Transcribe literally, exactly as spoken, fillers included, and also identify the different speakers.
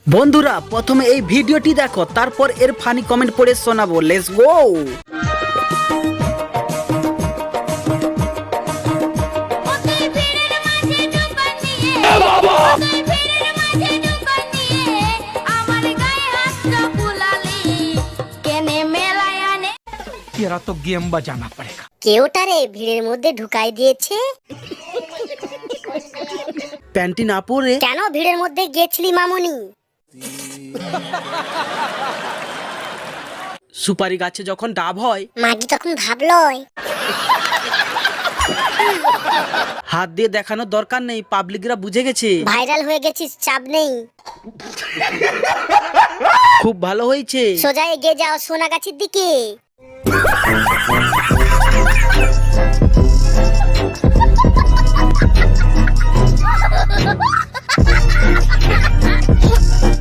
Speaker 1: বন্ধুরা প্রথমে এই ভিডিওটি দেখো, তারপর এর ফানি কমেন্ট পড়ে শোনাবো। Let's go.
Speaker 2: तेरा तो गेम बजाना पड़ेगा।
Speaker 3: কেউটারে ভিড়ের মধ্যে ঢুকাই দিয়েছে।
Speaker 1: প্যান্টি না পরে
Speaker 3: কেন ভিড়ের মধ্যে গেছলি মামুনি?
Speaker 1: সুপারি গাছে যখন ডাব হয়
Speaker 3: মাগি তখন ভাবলয়
Speaker 1: হাত দিয়ে দেখানোর দরকার নেই, পাবলিকরা বুঝে গেছে।
Speaker 3: ভাইরাল হয়ে গেছিস, চাপ নেই।
Speaker 1: খুব ভালো হয়েছে।
Speaker 3: সোজা এগিয়ে যাও সোনাগাছির দিকে।